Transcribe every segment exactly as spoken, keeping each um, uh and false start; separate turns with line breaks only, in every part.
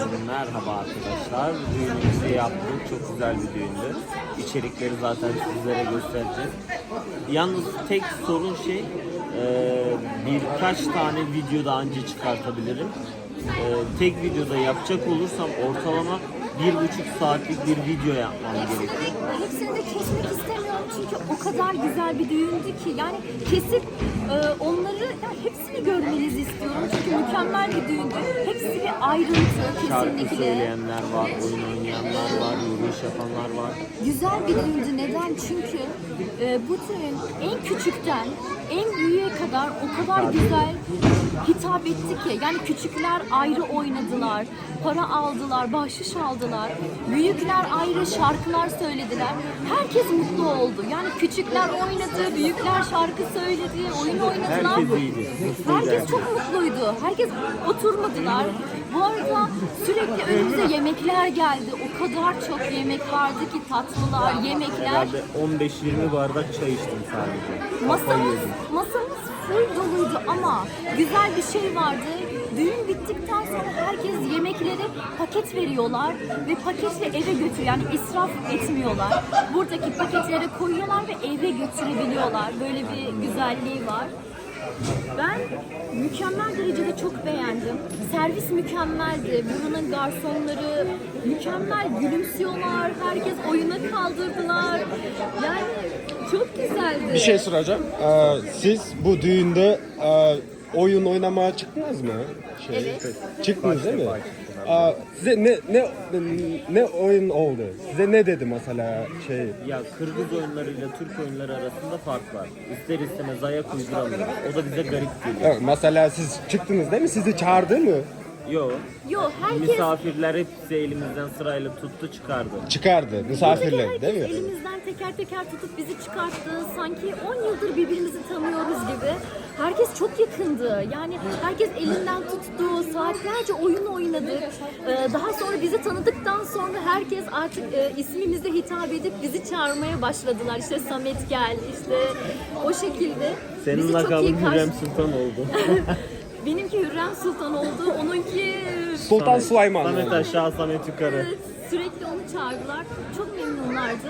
Merhaba arkadaşlar. Düğünümüzü yaptık. Çok güzel bir düğündü. İçerikleri zaten sizlere göstereceğiz. Yalnız tek sorun şey e, birkaç tane video daha önce çıkartabilirim. E, tek videoda yapacak olursam ortalama bir buçuk saatlik bir video yapmam gerekiyor.
Hepsini de kesmek istemiyorum çünkü o kadar güzel bir düğündü ki yani kesip e, onları yani hepsini görmenizi istiyorum çünkü mükemmel bir düğündü. Hepsi bir ayrıntı
Şarkı
kesinlikle.
söyleyenler var, oyun oynayanlar var, yürüyüş yapanlar var.
Güzel bir düğündü. Neden? Çünkü e, bu düğün en küçükten en büyüğe kadar o kadar güzel hitap etti ki. Yani küçükler ayrı oynadılar, para aldılar, bahşiş aldılar. Büyükler ayrı şarkılar söylediler. Herkes mutlu oldu. Yani küçükler oynadı, büyükler şarkı söyledi, oyun oynadılar.
Herkes iyiydi.
Herkes çok mutluydu. Herkes oturmadılar. Bu arada sürekli önümüze yemekler geldi. O kadar çok yemek vardı ki tatlılar, yemekler.
Herhalde on beş yirmi bardak çay içtim sadece.
Masamız, masamız full doluydu ama güzel bir şey vardı. Düğün bittikten sonra herkes yemekleri paket veriyorlar ve paketle eve götürüyor. Yani israf etmiyorlar. Buradaki paketlere koyuyorlar ve eve götürebiliyorlar. Böyle bir güzelliği var. Ben mükemmel derecede çok beğendim. Servis mükemmeldi. Buranın garsonları mükemmel gülümsüyorlar. Herkes oyuna kaldırdılar. Yani çok güzeldi.
Bir şey soracağım. Ee, siz bu düğünde e, oyun oynamaya çıktınız mı? Şey,
Evet.
Çıktınız değil mi? Aa, size ne ne ne oyun oldu? Size ne dedi mesela şey?
Ya Kırgız oyunlarıyla Türk oyunları arasında fark var. İster istemez ayak uyduramıyoruz. O da bize garip geliyor.
Evet, mesela siz çıktınız değil mi? Sizi çağırdı mı?
Yo.
Yo herkes
Misafirler hepsi elimizden sırayla tuttu çıkardı.
çıkardı misafirler
herkes
değil mi?
elimizden teker teker tutup bizi çıkarttı. Sanki on yıldır birbirimizi tanıyoruz gibi. Herkes çok yakındı. Yani herkes elinden tuttu. Saatlerce oyun oynadık. Ee, daha sonra bizi tanıdıktan sonra herkes artık e, ismimizle hitap edip bizi çağırmaya başladılar. İşte Samet gel, işte o şekilde.
Senin
Bizi çok iyi
lakabın
karşı-
Hürrem Sultan oldu.
Benimki Hürrem Sultan oldu. Onunki
Sultan Süleyman.
Samet
yani.
aşağı, Samet yukarı.
Evet, sürekli onu çağırdılar. Çok memnunlardı.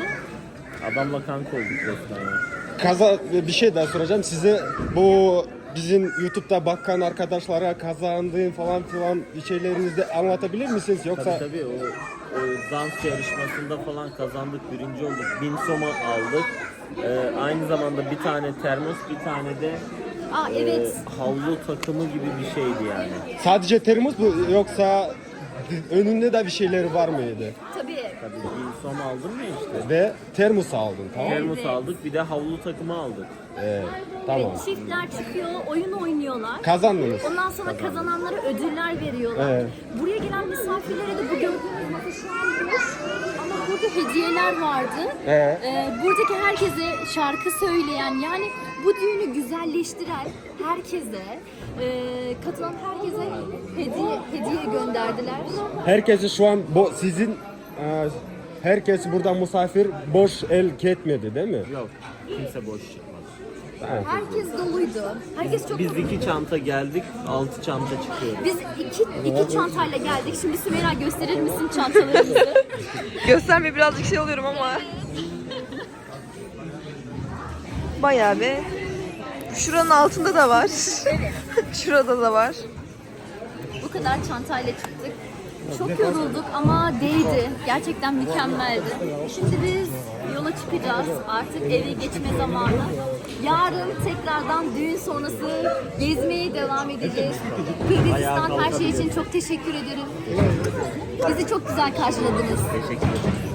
Adamla kanka olduk resmen ya.
Kaza bir şey daha soracağım size, bu bizim YouTube'da bakan arkadaşlara kazandığın falan filan bir şeylerinizi de anlatabilir misiniz yoksa?
Tabii tabii o, o dans yarışmasında falan kazandık, birinci olduk. Bin soma aldık. Ee, aynı zamanda bir tane termos, bir tane de
Aa
e,
evet.
havlu takımı gibi bir şeydi yani.
Sadece termos mu yoksa önünde de bir şeyleri var mıydı?
Tabii.
Tabii bin soma aldım ya işte.
Ve termos aldın, tamam mı?
Termos aldık, bir de havlu takımı aldık.
Evet, tamam.
Evet, çiftler çıkıyor, oyun oynuyorlar.
Kazandınız.
Ondan sonra kazananlara ödüller veriyorlar.
Evet.
Buraya gelen misafirlere de bu gördüğünüz masa şu an boş ama burada hediyeler vardı.
Evet.
Ee, buradaki herkese şarkı söyleyen yani bu düğünü güzelleştiren herkese, e, katılan herkese hediye hediye gönderdiler.
Herkesi şu an bo sizin e, herkes burada misafir boş el gitmedi değil mi?
Yok, kimse boş çıkmadı.
Evet.
Herkes doluydu. Herkes çok
Biz iki çanta geldik, altı çanta çıkıyoruz.
Biz iki, iki çantayla geldik. Şimdi Sümeyra gösterir misin çantalarımızı?
Gösterme birazcık şey oluyorum ama. Bayağı bir. Şuranın altında da var. Şurada da var.
Bu kadar çantayla çıktık. Çok yorulduk ama değdi. Gerçekten mükemmeldi. Şimdi biz yola çıkacağız. Artık eve geçme zamanı. Yarın tekrardan düğün sonrası gezmeye devam edeceğiz. Kırgızistan her şey için çok teşekkür ederim. Bizi çok güzel karşıladınız.
Teşekkür ederim.